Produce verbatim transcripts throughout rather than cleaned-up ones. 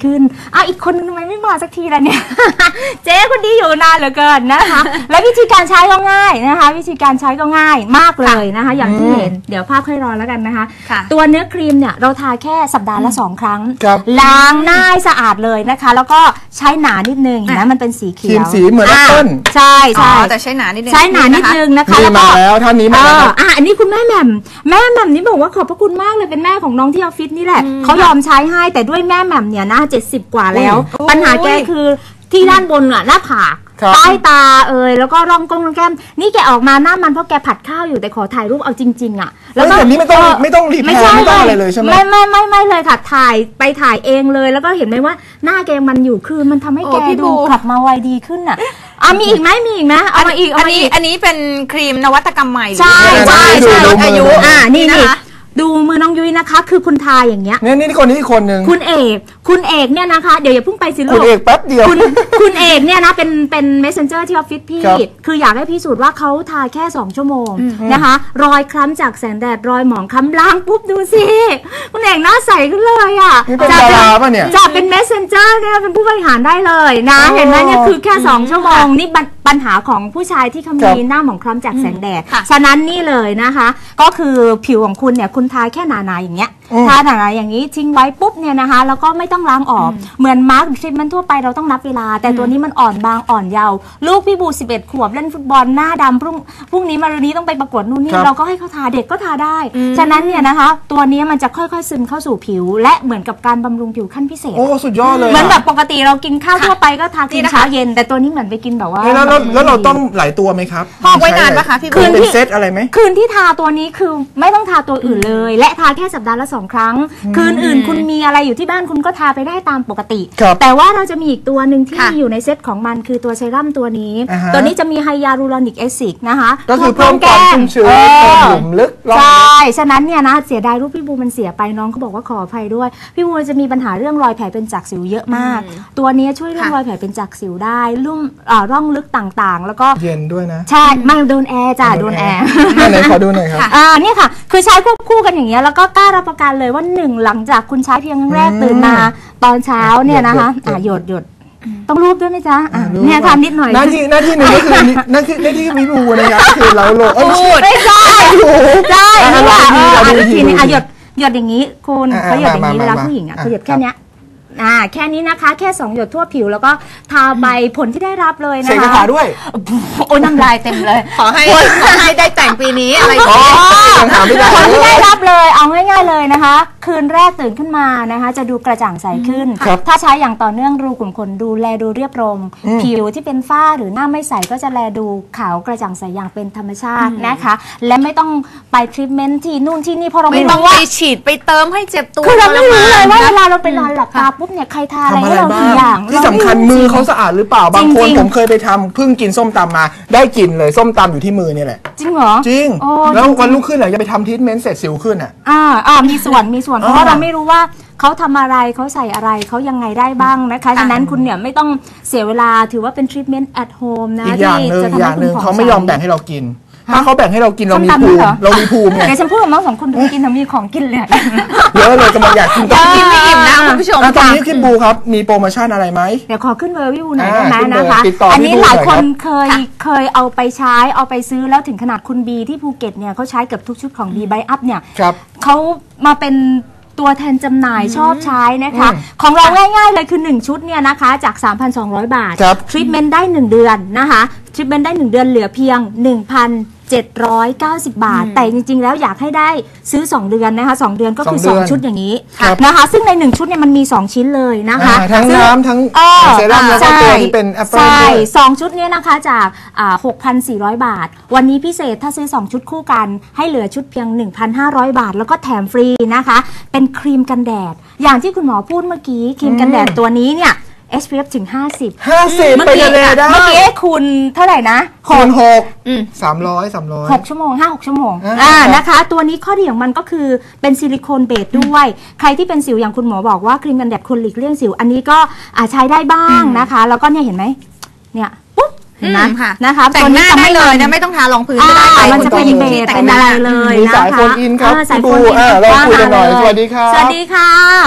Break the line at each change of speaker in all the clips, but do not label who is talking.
ขึ้นอ้าวอีกคนนึงทำไมไม่มาสักทีล่ะเนี่ย เจ๊คนนี้อยู่นานเหลือเกินนะคะและวิธีการใช้ก็ง่ายนะคะวิธีการใช้ก็ง่ายมากเลยนะคะอย่างที่เห็นเดี๋ยวภาพค่อยรอแล้วกันนะคะตัวเนื้อครีมเนี่ยเราทาแค่สัปดาห์ละสองครั้งล้างหน้าสะอาดเลยนะคะแล้วก็ใช้หนานิดนึงนะมันเป็นสีเขียว
สีเหมือนแอปเปิ้ล
ใช่ใช่
แต่ใช้หนานิดนึง
ใช้หนานิดนึงนะคะ
แล้วก็แล้วท่านนี้มาแล้ว
อ่ะอันนี้คุณแม่แหม่มแม่แหม่มนี่บอกว่าขอบพระคุณมากเลยเป็นแม่ของน้องที่ออฟฟิศนี่แหละเขายอมใช้ให้แต่ด้วยแม่แหม่มเนี่ยนะเจ็ดสิบกว่าแล้วปัญหาแกคือที่ด้านบนอ่ะหน้าผากใต้ตาเอ่ยแล้วก็ร่องก้นร่องแก้มนี่แกออกมาหน้ามันเพราะแกผัดข้าวอยู่แต่ขอถ่ายรูปเอาจริงๆอ่ะ
แล้วแบบนี้ไม่ต้องไม่ต้องรีบไม่ไม่ต้องอะไรเลยใช่ไหม
ไม่ไม่ไม่ไม่เลยค่ะถ่ายไปถ่ายเองเลยแล้วก็เห็นไหมว่าหน้าแกมันอยู่คือมันทำให้แกดูกลับมาวัยดีขึ้นอ่ะอ่ะมีอีกไหมมีอีกไหมเอามาอีกเอามาอีก
อันนี้เป็นครีมนวัตกรรมใหม่
ใช่ใช่ใช่ลดอายุอ่านี่นี่ดูมือน้องยุ้ยนะคะคือคุณทาอย่างเงี้ย
เนี่ยนี่คนนี้อีกคนหนึ่ง
คุณเอกคุณเอกเนี่ยนะคะเดี๋ยวอย่าเพิ่งไปสิลูก
คุณเอกแป๊บเดียว
คุณคุณเอกเนี่ยนะเป็นเป็น messenger ที่ออฟฟิศพี่คืออยากให้พี่สูตรว่าเขาทาแค่สองชั่วโมงนะคะรอยคล้ำจากแสงแดดรอยหมองคล้ำล้างปุ๊บดูสิคุณเอกหน้าใสขึ้นเลยอ่ะ
จะเป็น
จะเป็น messenger เนี่ยเป็นผู้บริหารได้เลยนะเห็นไหมเนี่ยคือแค่สองชั่วโมงนี่ปัญหาของผู้ชายที่เขามีหน้าหมองคล้ำจากแสงแดดฉะนั้นนี่เลยนะคะก็คือผิวของคุณเนี่ยคุณทาแค่หนาๆอย่างเงี้ยทาหนาๆอย่างนี้ทิ้งไว้ปุ๊บเนี่ยนะคะแล้วก็ไม่ต้องล้างออกเหมือนมาร์กทรีทเมนต์ทั่วไปเราต้องนับเวลาแต่ตัวนี้มันอ่อนบางอ่อนเยาว์ลูกพี่บูสิบเอ็ดขวบเล่นฟุตบอลหน้าดำพรุ่งพรุ่งนี้มารืนนี้ต้องไปประกวดนู่นนี่เราก็ให้เขาทาเด็กก็ทาได้ฉะนั้นเนี่ยนะคะตัวนี้มันจะค่อยๆซึมเข้าสู่ผิวและเหมือนกับการบำรุงผิวขั้นพิเศษ
โอ้สุดยอดเลย
เหมือนแบบปกติเรากินข้าวทั่วไปก็ทากินเช้าเย็นแต่ตัวนี้เหมือนไปกินแบบว่า
แล้วแล้วเราต้องหลายตัวไหมครับ
พอกไว้นานปะคะพี่
คืนที่เซตอะไรไหม
คืนที่ทาตัวนี้คือไม่ต้องทาตัวอื่นเลยและทาแค่สัปดาห์ละสองครั้งคืนอื่นคุณมีอะไรอยู่ที่บ้านคุณก็ทาไปได้ตามปกติแต่ว่าเราจะมีอีกตัวหนึ่งที่อยู่ในเซตของมันคือตัวเซรั่มตัวนี้ตัวนี้จะมีไฮยาลูรอนิกแอซิดนะคะ
ก็คือเพิ่มความชุ่มชื้นเพิ่มหลุมลึก
ใช่ฉะนั้นเนี่ยนะเสียดายรูปพี่บูมันเสียไปน้องเขาบอกว่าขออภัยด้วยพี่บูจะมีปัญหาเรื่องรอยแผลเป็นจากสิวเยอะมากตัวนี้ช่วยเรื่องรอยแผลเป็นจากสิวได้ลุ่มร่องลึกต่างๆแล้วก็
เย็นด้วยนะ
ใช่ไม่โดนแอร์จ้ะโดนแอร์
ไหนขอดูหน่อยครับ
อ่านี่ค่ะคือใช้ควบคู่กันอย่างเงี้ยแล้วก็กล้ารับประกันเลยว่าหนึ่งหลังจากคุณใช้เพียงครั้งแรกตื่นมาตอนเช้าเนี่ยนะคะอ่าหยดหยดต้องรูปด้วยไหมจ๊ะเนี่ยทำนิดหน่อย
หน้าที่หน้าที่หนึ่งก็คือหน้าที่หน้าที่มีรูนะครับคือเราโลเออ
ไม่ใช่ใช่นี่แหละอ่าทีนี้อ่ะหยดหยดอย่างนี้คุณเขาหยดอย่างนี้เวลาผู้หญิงอ่ะเขาหยดแค่เนี้ยอ่าแค่นี้นะคะแค่สองหยดทั่วผิวแล้วก็ทาใบผลที่ได้รับเลยนะคะ
เสกคาถาด้วย
โอ้ยน้ำลายเต็มเลย
ขอให้ขอให้ได้แต่งปีนี้อะไร
ผลที่ได้รับเลยเอาง่ายๆเลยนะคะคืนแรกตื่นขึ้นมานะคะจะดูกระจ่างใสขึ้นถ้าใช้อย่างต่อเนื่องรูขุมขนดูแลดูเรียบรมผิวที่เป็นฝ้าหรือหน้าไม่ใสก็จะแลดูขาวกระจ่างใสอย่างเป็นธรรมชาตินะคะและไม่ต้องไปทรีทเมนต์ที่นู่นที่นี่เพราะเราไม่
ต้องไปฉีดไปเติมให้เจ็บตัว
คือเราไม่รู้เลยว่าเวลาเราไปนอนหลับตาปุ๊บเนี่ยใครทาอะไรให้เราทุกอย่าง
ที่สำคัญมือเขาสะอาดหรือเปล่าบางคนผมเคยไปทำเพิ่งกินส้มตำมาได้กลิ่นเลยส้มตำอยู่ที่มือนี่แหละ
จริงเหรอ
จริงแล้ววันรุ่งขึ้นเหรอจะไปทำทรีทเมนต์เสร็จสิวขึ้นอ่ะ
อ่าอ่ามีส่วนมีส่วนเพราะว่าเราไม่รู้ว่าเขาทำอะไรเขาใส่อะไรเขายังไงได้บ้างนะคะฉะนั้นคุณเนี่ยไม่ต้องเสียเวลาถือว่าเป็นทรีทเมนต์ at home นะ
ที่จะทำให้คุณเขาไม่ยอมแบ่งให้เรากินถ้าเขาแบ่งให้เรากินเรามีภูมิเรามีภูมิไง
เดี๋ยวฉันพูดกับน้องสองคนดูกินเรามีของกินเลย
เยอะเลยกำลังอยากกิน
กินไม่อิ่มนะคุณผู้ชม
ตอนนี้พี่บูครับมีโปรโมชั่นอะไรไหม
เดี๋ยวขอขึ้นเบอร์พี่บูหน่อยได้ไหมนะคะอันนี้หลายคนเคยเคยเอาไปใช้เอาไปซื้อแล้วถึงขนาดคุณบีที่ภูเก็ตเนี่ยเขาใช้เกือบทุกชุดของบีไบอัพเนี่ยเขามาเป็นตัวแทนจำหน่ายชอบใช้นะคะของเราง่ายๆเลยคือหนึ่งชุดเนี่ยนะคะจาก สามพันสองร้อย บาททรีทเมนต์ได้หนึ่งเดือนนะคะทรีทเมนต์ได้หนึ่งเดือนเหลือเพียง หนึ่งพันเจ็ดร้อยเก้าสิบ บาทแต่จริงๆแล้วอยากให้ได้ซื้อสองเดือนนะคะสองเดือนก็คือสองชุดอย่างนี้นะคะซึ่งในหนึ่งชุดเนี่ยมันมีสองชิ้นเลยนะคะ
ทั้งน้ำทั้งเซรั่มแล้วก็ตัวที่เป็นแอปเปิ้ล
ใช่สองชุดนี้นะคะจากอ่า หกพันสี่ร้อย บาทวันนี้พิเศษถ้าซื้อสองชุดคู่กันให้เหลือชุดเพียง หนึ่งพันห้าร้อย บาทแล้วก็แถมฟรีนะคะเป็นครีมกันแดดอย่างที่คุณหมอพูดเมื่อกี้ครีมกันแดดตัวนี้เนี่ย เอส พี เอฟ ถึงห้าสิบ
ห้าสิบไปทะเลได้
เมื่อกี้คุณเท่าไหร่นะ
คูณหกสามร้อย สามร้อย
หกชั่วโมงห้า หกชั่วโมงอ่านะคะตัวนี้ข้อดีของมันก็คือเป็นซิลิโคนเบสด้วยใครที่เป็นสิวอย่างคุณหมอบอกว่าครีมกันแดดควรหลีกเลี่ยงสิวอันนี้ก็อาจใช้ได้บ้างนะคะแล้วก็เนี่ยเห็นไหมเนี่ยปุ๊บนะนะคะ
แต่งหน้าได้เลยนะไม่ต้องทารองพื้นก็ได้
มันจะเป็นเบสเป็นอะไรเลยนะคะ
สายโฟนอินครับ
สายโฟนอิน
เราคุยกันหน่อยสวัสดีค่ะ
สวัสดีค่ะ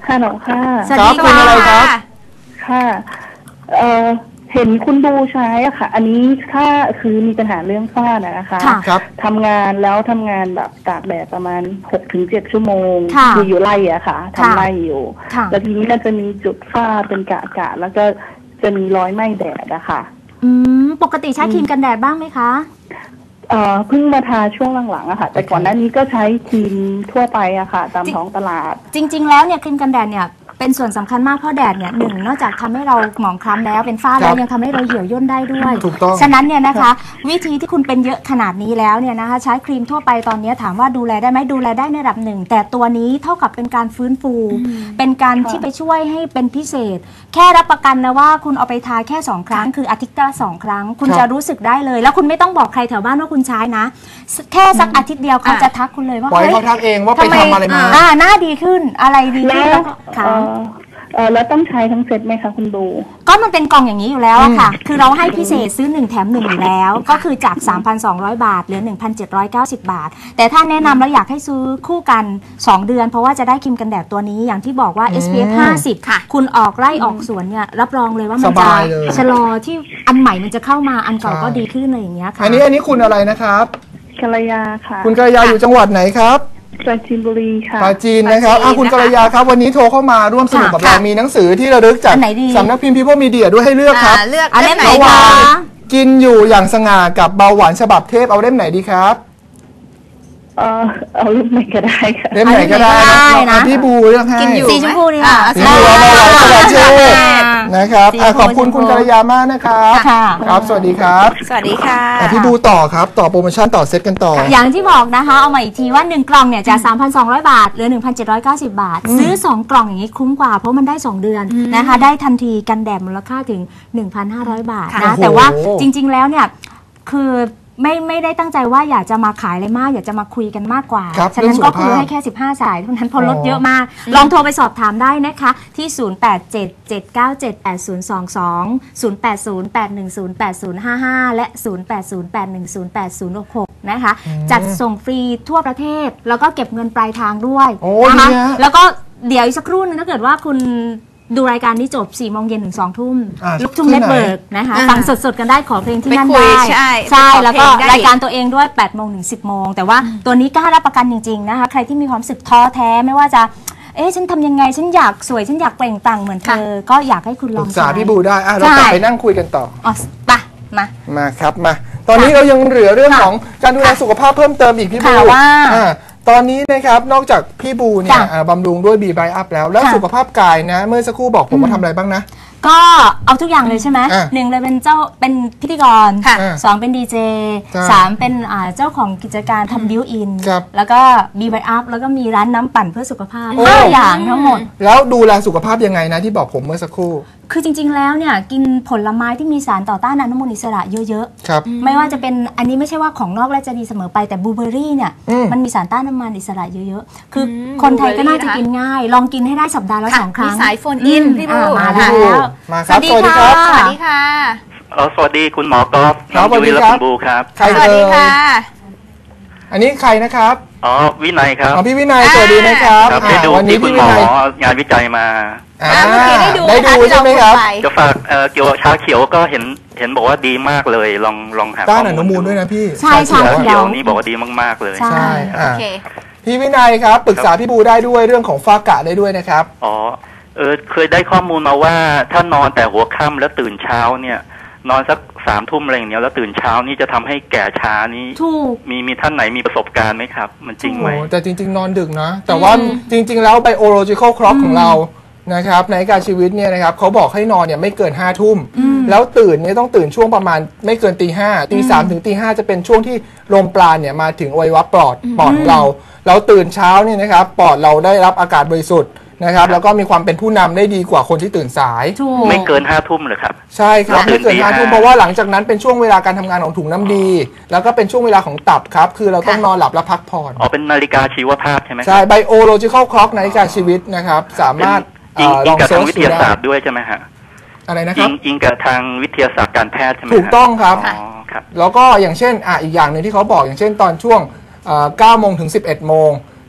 ฮัลโหลค่ะ
สวัสดี
ครับเป็นอะไรครับ
ค่ะเอ่อเห็นคุณดูใช้อะค่ะ อันนี้ถ้าคือมีปัญหาเรื่องฝ้านะคะ
ค่ะ
ครับ
ทำงานแล้วทำงานแบบตากแดดประมาณหกถึงเจ็ดชั่วโมง
ค่ะ
คืออยู่ไร่อะค่ะทำไร่อยู่
ค่ะ
แล้วทีนี้มันจะมีจุดฝ้าเป็นกะกะแล้วก็จะมีรอยไหม้แดดอะค่ะ
อืมปกติใช้ครีมกันแดดบ้างไหมคะ
เอ่อเพิ่งมาทาช่วงหลังๆอะค่ะ แต่ก่อนหน้านี้ก็ใช้ครีมทั่วไปอะค่ะ ตามท้องตลาด
จริง ๆ แล้วเนี่ยครีมกันแดดเนี่ยเป็นส่วนสำคัญมากเพราะแดดเนี่ยหนึ่งนอกจากทำให้เราหมองคล้ำแล้วเป็นฝ้าแล้วยังทำให้เราเหี่ยวย่นได้ด้วย
ถูกต้อง
ฉะนั้นเนี่ยนะคะ วิธีที่คุณเป็นเยอะขนาดนี้แล้วเนี่ยนะคะใช้ครีมทั่วไปตอนนี้ถามว่าดูแลได้ไหมดูแลได้ในระดับหนึ่งแต่ตัวนี้เท่ากับเป็นการฟื้นฟู เป็นการที่ไปช่วยให้เป็นพิเศษ แค่รับประกันนะว่าคุณเอาไปทาแค่สองครั้งคืออาทิตย์ละสองครั้ง คุณ
ครับ
จะรู้สึกได้เลย แล้วคุณไม่ต้องบอกใครแถวบ้านว่าคุณใช้นะ แค่สักอาทิตย์เดียวเขาจะทักคุณเลยว่า
ปล่อย
เฮ้ย
เขาทักเองว่าไป
ทำไม
ทำอะไรมา
อ่าหน้าดีขึ้นอะไรดีขึ้น
แล้ว
แล้วก็ค่ะ
เอ่อเอ่อแล้วต้องใช้ทั้งเซตไหมคะคุณดู
ก็มันเป็นกล่องอย่างนี้อยู่แล้วอะค่ะ คือเราให้พิเศษซื้อหนึ่งแถมหนึ่งอยู่แล้ว ก็คือจาก สามพันสองร้อย บาทเหลือ หนึ่งพันเจ็ดร้อยเก้าสิบ บาท แต่ถ้าแนะนำแล้วอยากให้ซื้อคู่กันสองเดือน เพราะว่าจะได้ครีมกันแดดตัวนี้อย่างที่บอกว่า เอส พี เอฟ ห้าสิบ
ค่ะ
คุณออกไร่ออกสวนเนี่ยรับรองเลยว่ามัน
ส
จะ
บายเลย
ชะลอที่อันใหม่มันจะเข้ามาอันเก่า
ใช่
ก็ดีขึ้นเลยอย่างเงี้ยค่ะ
อันนี้อันนี้คุณอะไรนะครับ
กัลยาค่ะ
คุณกัลยาอยู่จังหวัดไหนครับ
ปราจีนบุรีค่ะ
ปราจีนนะครับอ่ะคุณกัลยาครับวันนี้โทรเข้ามาร่วมสนุกกับเรา มีหนังสือที่ระลึกจาก
อันไหนดี
สำนักพิมพ์ People Media ด้วยให้เลือกครับ
อ่าเลือก
เอาเล่มไหน
เล่มไหน
คะ
คะ
กินอยู่อย่างสง่ากับเบาหวานฉบับเทพเอาเล่มไหนดีครับ
เออเอารูปไหนก็ได้ค่ะ
เล่มไหนก็ได้
เอา
นะ
เล่มไหนก็ได้นะ
เอาพี่บูเลือกให้
กินอยู่
สีชมพูดีค่ะ
สีบัวเบาหวานฉบับเทพนะครับ
สี
อ่ะ
ชมพู
ขอบคุณ
สีชมพู
คุณกัลยามากนะครับ
ค่ะ
ครับ สวัสดีครับ
สวัสดีค่ะ
อ่ะพี่บูต่อครับต่อโปรโมชั่นต่อเซตกันต่อ
อย่างที่บอกนะคะเอามาอีกทีว่าหนึ่งกล่องเนี่ยจาก สามพันสองร้อย บาทเหลือ หนึ่งพันเจ็ดร้อยเก้าสิบ บาท ซื้อสองกล่องอย่างนี้คุ้มกว่าเพราะมันได้สองเดือนนะคะได้ทันทีกันแดดมูลค่าถึง หนึ่งพันห้าร้อย บาท
ค่ะ
นะ
โอ้โห
แต่ว่าจริง ๆ แล้วเนี่ยคือไม่ไม่ได้ตั้งใจว่าอยากจะมาขายอะไรมาก อยากจะมาคุยกันมากกว่า
ครับ
ฉะนั้นก็คือ
เรื่องสุขภาพ
ให้แค่สิบห้าสายเท่านั้นเพอลด
อ๋อ
เยอะมาก ลองโทรไปสอบถามได้นะคะที่ ศูนย์ แปด เจ็ด เจ็ด เก้า เจ็ด แปด ศูนย์ สอง สอง ศูนย์ แปด ศูนย์ แปด หนึ่ง ศูนย์ แปด ศูนย์ ห้า ห้า และ ศูนย์ แปด ศูนย์ แปด หนึ่ง ศูนย์ แปด ศูนย์ หก หก นะคะ จัดส่งฟรีทั่วประเทศ แล้วก็เก็บเงินปลายทางด้วย
โอ้
นะคะ
ดีฮะ
แล้วก็เดี๋ยวอีกสักครู่นึงถ้าเกิดว่าคุณดูรายการนี้จบสี่โมงเย็นถึงสองทุ่ม
อ่า
ลูกทุ่ง
ที่
เน็ต
ไหน
เวิร์กนะคะ
อ่า
ฟังสดๆกันได้ขอเพลงที่
ไป
นั่น
คุย
ได้
ใช่
ใช่
ไปขอ
แล้วก็
เพลงได้
รายการตัวเองด้วยแปดโมงถึงสิบโมงแต่ว่าตัวนี้กล้ารับประกันจริงๆนะคะใครที่มีความรู้สึกท้อแท้ไม่ว่าจะเอ๊ะฉันทำยังไงฉันอยากสวยฉันอยากเปล่งปลั่งเหมือนเธอก็อยากให้คุณล
ป
อ
รึ
ง
กษา
ใช้
พี่บูได้อ่ะเรากลับไปนั่งคุยกันต่อ
อ๋อไปมา
มาครับมา ตอนนี้เรายังเหลือเรื่องของการดูแลสุขภาพเพิ่มเติมอีกพี่บู
ค่ะว่า
อ่าตอนนี้นะครับนอกจากพี่บูเนี่ย
จ้ะ
อ่าบำรุงด้วยบีไบอัพแล้ว แล้ว
ค่ะ
สุขภาพกายนะ เมื่อสักครู่บอกผมว่าทำอะไรบ้างนะ
ก็เอาทุกอย่างเลยใช่ไหม
อ่ะ
หนึ่งเลยเป็นเจ้าเป็นพิธีกร
ค่ะ
สองเป็นดีเจ
ใช่
สามเป็นอ่าเจ้าของกิจการทำบิวอิน
ครับ
แล้วก็บีไบอัพแล้วก็มีร้านน้ำปั่นเพื่อสุขภาพ
โอ้
ห้าอย่างทั้งหมด
แล้วดูแลสุขภาพยังไงนะที่บอกผมเมื่อสักครู่
คือจริงๆ แล้วเนี่ยกินผลไม้ที่มีสารต่อต้านอนุมูลอิสระเยอะ
ครับ
ๆ ไม่ว่าจะเป็นอันนี้ไม่ใช่ว่าของนอกแล้วจะดีเสมอไปแต่บลูเบอร์รี่เนี่ย
อืม
มันมีสารต้านอนุมูลอิสระเยอะๆ คืออ
ม
คนไทยก็น่าจะ
บลูเบอร์รี่นะคะ
กินง่าย ลองกินให้ได้สัปดาห์ละ
ค่ะ
สองครั้ง
มีสายโฟนอิน
อืม
พี่บู
อ่ามา
พี่
แล้
บู
ว
มาครับสวัสดีครับ
สวัสดีค่ะ
เออสวัสดีคุณหมอกอล์ฟ
ครับ
น้องยุ้ย
สวัสดี
และ
ครับ
คุณบูครับ
ใคร
สวัส
เอ่
ดี
ย
ค่ะ
อันนี้ใครนะครับ
อ๋อวินัยครับ
อ๋อพี่วินัยสวัสดีนะครับ
ครับ
อ่า
ได้ดู
วันนี้
ที่คุ
พี่
ณห
วิ
มอ
นัย
งานวิจัยมา
อ่า
อ่าเมื่อกี้ได้ดู
ได้ดู
นะคะที่
ใช่ไหมครับ
เาพูดไป
จะฝากเอ่อเกี่ยวกับชาเขียวก็เห็นเห็นบอกว่าดีมากเลย ลองลองหา
ต้าน
ข้
อนุมูลด้วยนะพี่
ใช่
ชา
ชา
เขียว
เขี
เขียวนี่บอกว่าดีมากๆเลย
ใช่
ใช่
โอ
อ่า
เค
พี่วินัยครับปรึกษาพี่บูได้ด้วยเรื่องของฝ้ากระได้ด้วยนะครับ
อ๋อเออเคยได้ข้อมูลมาว่าถ้านอนแต่หัวค่ำแล้วตื่นเช้าเนี่ย นอนสักสามทุ่มอะไรอย่างเงี้ยแล้วตื่นเช้านี่จะทำให้แก่ช้านี่
ถูก
มีมีท่านไหนมีประสบการณ์ไหมครับ มันจริงไหม
โอ้แต่จริง ๆ นอนดึกนะ แต่ว่าจริง ๆ แล้ว biological clock ของเรานะครับในการชีวิตเนี่ยนะครับเขาบอกให้นอนเนี่ยไม่เกินห้าทุ่มแล้วตื่นเนี่ยต้องตื่นช่วงประมาณไม่เกินตีห้าตีสามถึงตีห้าจะเป็นช่วงที่ลมปราณเนี่ยมาถึงอวัยวะปอดปอดของเราเราตื่นเช้าเนี่ยนะครับปอดเราได้รับอากาศบริสุทธิ์นะครับแล้วก็มีความเป็นผู้นำได้ดีกว่าคนที่ตื่นสาย
ถูก
ไม่เกินห้าทุ่มเลยครับ
ใช่ครับ
แล้วตื่
ไม่
น
เกิน
ตี
ห้า
ห้า
ทุ่มเพราะว่าหลังจากนั้นเป็นช่วงเวลาการทำงานของถุงน้ำดี แล้วก็เป็นช่วงเวลาของตับครับ คือเราต้องนอนหลับและพักผ่อน
อ๋อเป็นนาฬิกาชีวภาพใช่ไหม
ใช่ biological clock นาฬิกาชีวิตนะครับ สามารถ
อิง
เอ่อ
อิ
ล
ง
อง
กับ
เซิ
ทา
ร์
ง
ช
วิท
ดู
ยาศา
ได้
สตร์ด้วยใช่ไหมฮะ
อะไรนะค
อิ
รับ
งอิงกับทางวิทยาศาสตร์การแพทย์ใช่ไหมฮะ
ถูกต้องครับ
อ๋อครับ
แล้วก็อย่างเช่นอ่ะอีกอย่างหนึ่งที่เขาบอกอย่างเช่นตอนช่วงเอ่อเก้าโมงถึงสิบเอ็ดโมง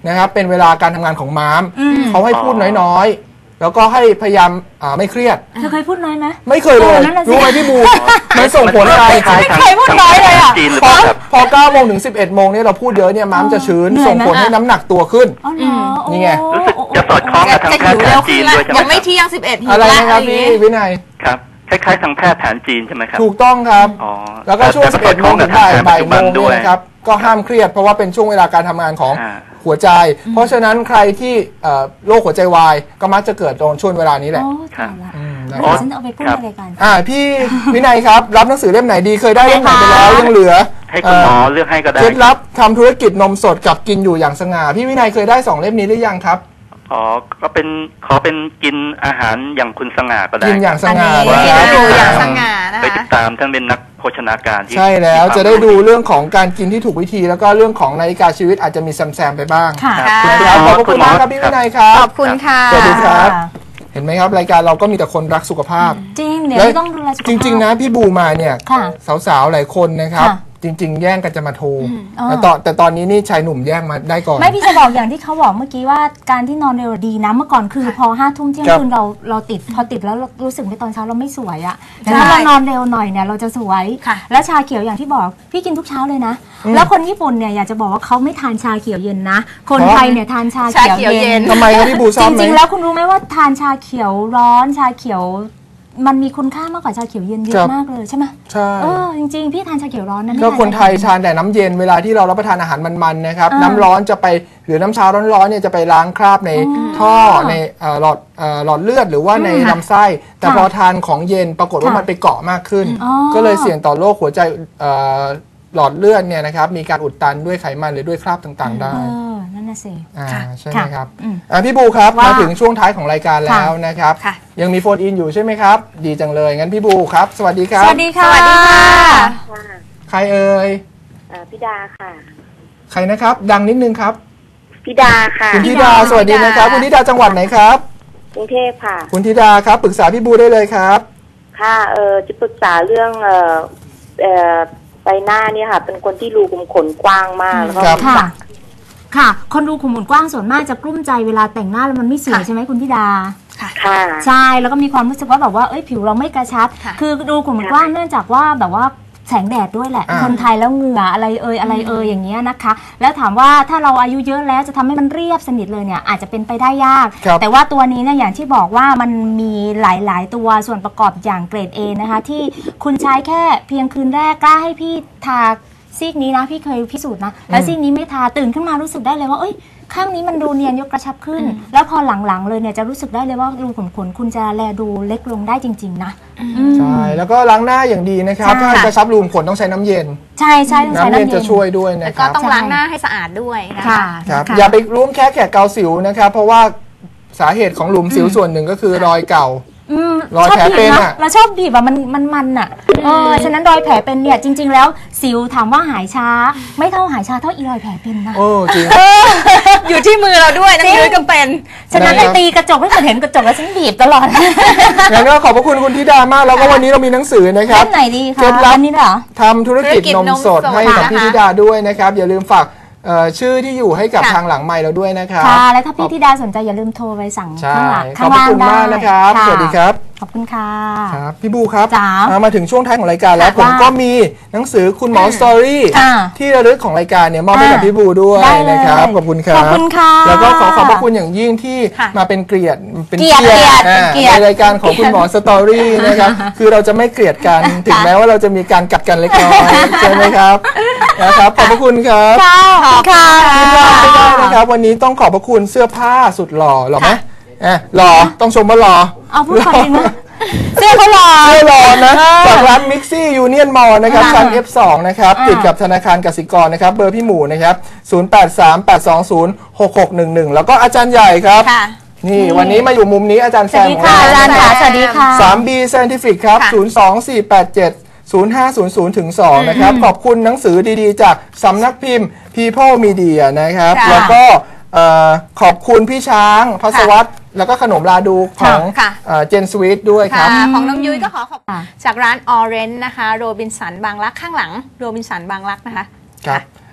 นะครับเป็นเวลาการทำงานของม้ามเขาให้พูดน้อยๆแล้วก็ให้พยายามอ่าไม่เครียด
เธอเคยพูดน้อยไหม
ไม่เคยเลยรู้ไหมพี่บูมันส่งผลอะไร
ไม่เคยพูดน้อยเลยอ่ะ
พอพอเก้าโมงถึงสิบเอ็ดโมงเนี่ยเราพูดเยอะเนี่ยม้ามจะชื้นส่งผลให้น้ำหนักตัวขึ้นนี่ไง
รู้สึกจะสอดคล้องกับทางแพทย์แผนจีนด้วยใช่ไหม
ยังไม่เที่ยงสิบเอ็ดหิว
อะไรนะครับพี่วินัย
ครับคล้ายๆทางแพทย์แผนจีนใช่ไหมครับ
ถูกต้องครับแล้วก็ช่วงสิบเอ็ดโมงถึงบ่ายบ่ายโมงด้วยนะครับก็ห้ามเครียดเพราะว่าเป็นช่วงเวลาการทำงานของหัวใจเพราะฉะนั้นใครที่โรคหัวใจวายก็มักจะเกิดตรงช่วงเวลานี้แหละ
อ๋อฉันเอาไปพูดอะไรกัน
อ่าพี่วินัยครับรับหนังสือเล่มไหนดีเคยได้เล่มไหนไปแล้วยังเหลือ
ให้คุณหมอเลือกให้ก็ได้
เคล็ดลับทำธุรกิจนมสดกับกินอยู่อย่างสง่าพี่วินัยเคยได้สองเล่มนี้หรือยังครับ
อ๋อก็เป็นขอเป็นกินอาหารอย่างคุณสง่าก็ได้
กินอย่างสง่า
กินอยู่อย่างสง่านะคะ
ไปติดตามท่านเป็นนักโภชนาการที่
ใช่แล้วจะได้ดูเรื่องของการกินที่ถูกวิธีแล้วก็เรื่องของนาฬิกาชีวิตอาจจะมีแซมๆไปบ้าง
ค่ะ
ขอบคุณมากครับพี่วินัยครับ
ขอบคุณค่ะ
สวัสดีครับเห็นไหมครับรายการเราก็มีแต่คนรักสุขภาพ
จริงเดี๋ยวต้องดูแลสุขภาพ
จริงๆนะพี่บูมาเนี่ยสาวๆหลายคนนะครับจริงๆแย่งกันจะมาโทรแต่ตอนแต่ตอนนี้นี่ชายหนุ่มแย่งมาได้ก่อน
ไม่พี่จะบอกอย่างที่เขาบอกเมื่อกี้ว่าการที่นอนเร็วดีนะเมื่อก่อนคือพอห้าทุ่มเที่ยงคืนเราเราติดพอติดแล้วรู้สึกไปตอนเช้าเราไม่สวยอะแต่ถ้าเรานอนเร็วหน่อยเนี่ยเราจะสวยแล้วชาเขียวอย่างที่บอกพี่กินทุกเช้าเลยนะแล้วคนญี่ปุ่นเนี่ยอยากจะบอกว่าเขาไม่ทานชาเขียวเย็นนะคนไทยเนี่ยทานชาเขียวเย็น
ทำไมครับพี่บูชอบไหม
จริงๆแล้วคุณรู้ไหมว่าทานชาเขียวร้อนชาเขียวมันมีคุณค่ามากกว่าชาเขียวเย็นเยอะมากเลยใช่ไหม
ใช่
เออจริงๆพี่ทานชาเขียวร้อนนะ
ก็คนไทยทานแต่น้ำเย็นเวลาที่เรารับประทานอาหารมันๆนะครับน้ำร้อนจะไปหรือน้ำชาร้อนๆเนี่ยจะไปล้างคราบในท่อในหลอดหลอดเลือดหรือว่าในลำไส้แต่พอทานของเย็นปรากฏว่ามันไปเกาะมากขึ้นก็เลยเสี่ยงต่อโรคหัวใจหลอดเลือดเนี่ยนะครับมีการอุดตันด้วยไขมันหรือด้วยคราบต่างๆได้
นั่นน่ะสิ
อ่าใช่ไหมครับพี่บูครับมาถึงช่วงท้ายของรายการแล้วนะครับยังมีโฟนอินอยู่ใช่ไหมครับดีจังเลยงั้นพี่บูครับสวัสดีครับ
สวัสดีค่ะสวัสดีค่ะ
ใครเอ่ย
พี่ดาค่ะ
ใครนะครับดังนิดนึงครับ
พี่ดาค่ะ
คุณธิดาสวัสดีนะครับคุณธิดาจังหวัดไหนครับ
กรุงเทพค่ะ
คุณธิดาครับปรึกษาพี่บูได้เลยครับ
ค่ะเออจะปรึกษาเรื่องเออเออใบหน้าเนี่ยค่ะเป็นคนที่รูขุมขนกว้างมากแล้วก็
ค่ะค่ะคนรูขุมขนกว้างส่วนมากจะกลุ้มใจเวลาแต่งหน้าแล้วมันไม่สวยใช่ไหมคุณธิดา
ค่ะ
ใช่แล้วก็มีความรู้สึกว่าแบบว่าเอ้ยผิวเราไม่กระชับคือรูขุมขนกว้างเนื่องจากว่าแบบว่าแสงแดดด้วยแหละคนไทยแล้วเหงื่ออะไรเอ่ยอะไรเอ่ยอย่างเงี้ยนะคะแล้วถามว่าถ้าเราอายุเยอะแล้วจะทำให้มันเรียบสนิทเลยเนี่ยอาจจะเป็นไปได้ยากแต่ว่าตัวนี้เนี่ยอย่างที่บอกว่ามันมีหลายๆตัวส่วนประกอบอย่างเกรด A นะคะที่คุณใช้แค่เพียงคืนแรกกล้าให้พี่ทาซีกนี้นะพี่เคยพิสูจน์นะแล้วซีกนี้ไม่ทาตื่นขึ้นมารู้สึกได้เลยว่าเอ้ยข้างนี้มันดูเนียนยกกระชับขึ้นแล้วพอหลังๆเลยเนี่ยจะรู้สึกได้เลยว่ารูขุมขนคุณจะแลดูเล็กลงได้จริงๆนะ
ใช่แล้วก็ล้างหน้าอย่างดีนะครับถ้ากระชับรูขุมขนต้องใช้น้ำเย็น
ใช่ใช่ต้องใช้น้ำเย็น
จะช่วยด้วยนะครับ
ก็ต้องล้างหน้าให้สะอาดด้วย
นะคะ
ครับอย่าไปร่วมแค่แขกเกาสิวนะครับเพราะว่าสาเหตุของหลุมสิวส่วนหนึ่งก็คือรอยเก่ารอยแผลเป็นอ่ะ
เราชอบบีบอะมันมันมันอ่ะเออฉะนั้นรอยแผลเป็นเนี่ยจริงๆแล้วสิวถามว่าหายช้าไม่เท่าหายช้าเท่าอีรอยแผลเป็นนะ
โอ้จริง
อยู่ที่มือเราด้วยนะมือก็เป็น
ฉะนั้นไอ้ตีกระจกไม่เคยเห็นกระจกแล้วฉันบีบตลอด
งั้นก็ขอบพระคุณคุณธิดามากแล้วก็วันนี้เรามีหนังสือนะครับ
เล่มไหนดีคะ
วัน
นี้เหรอ
ทำธุรกิจนมสดให้กับพี่ธิดาด้วยนะครับอย่าลืมฝากชื่อที่อยู่ให้กับทางหลังไมค์เราด้วยนะครับ
ค่ะและถ้าพี่ธิดาสนใจอย่าลืมโทรไปสั่งข้างหลัง
ขอบคุณมากนะครับสวัสดีครับ
ขอบคุณค่ะ
ครับพี่บูครับมาถึงช่วงท้ายของรายการแล้วผมก็มีหนังสือคุณหมอสตอรี่ที่ระลึกของรายการเนี่ยมอบให้กับพี่บูด้วยนะครับขอบคุณครับ
ขอบคุณค่ะ
แล้วก็ขอขอบพระคุณอย่างยิ่งที่มาเป็นเกียรติ
เป็นเกียรติ
ในรายการของคุณหมอสตอรี่นะครับคือเราจะไม่เกลียดกันถึงแม้ว่าเราจะมีการกัดกันเล็กน้อยใช่ไหมครับนะครับขอบพระคุณครับ
ขอบคุณค่ะ
ไม่ได้นะครับวันนี้ต้องขอบพระคุณเสื้อผ้าสุดหล่อหรอไหมเออหล่อต้องชมว่าหล่อ
เอาพูดความจริงนะเสื้อเขาหล่อ
เสื้อหล่อนะจากร้าน Mixi Union Mall นะครับชั้น เอฟ สอง นะครับติดกับธนาคารกสิกรนะครับเบอร์พี่หมูนะครับศูนย์ แปด สาม แปด สอง ศูนย์ หก หก หนึ่ง หนึ่งแล้วก็อาจารย์ใหญ่ครับนี่วันนี้มาอยู่มุมนี้อาจารย์แซมของเรา
อาจารย์ค่ะสวัสดีค่ะ
ทรี บี Scientific ครับศูนย์ สอง สี่ แปด เจ็ด ศูนย์ ห้า ศูนย์ ศูนย์ ถึง สองนะครับขอบคุณหนังสือดีๆจากสำนักพิมพ์ People Media นะครับแล้วก็ขอบคุณพี่ช้างพัสวัตแล้วก็ขนมลาดูของเจนสวีทด้วยครับ
ของน้องยุ้ยก็ขอขอบจากร้านออเรนจ์นะคะโรบินสันบางรักข้างหลังโรบินสันบางรักนะคะ
ครับ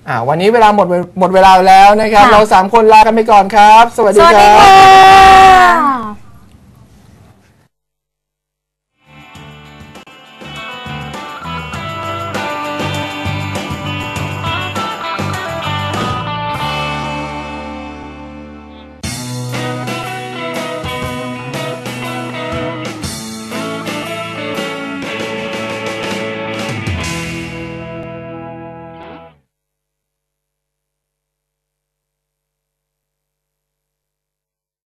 อ่าวันนี้เวลาหมดหมดเวลาแล้วนะครับ
ค่ะ
เราสามคนลากันไปก่อนครับ สวัสดี
สวัส
ค
ดี
รับ
ค่ะ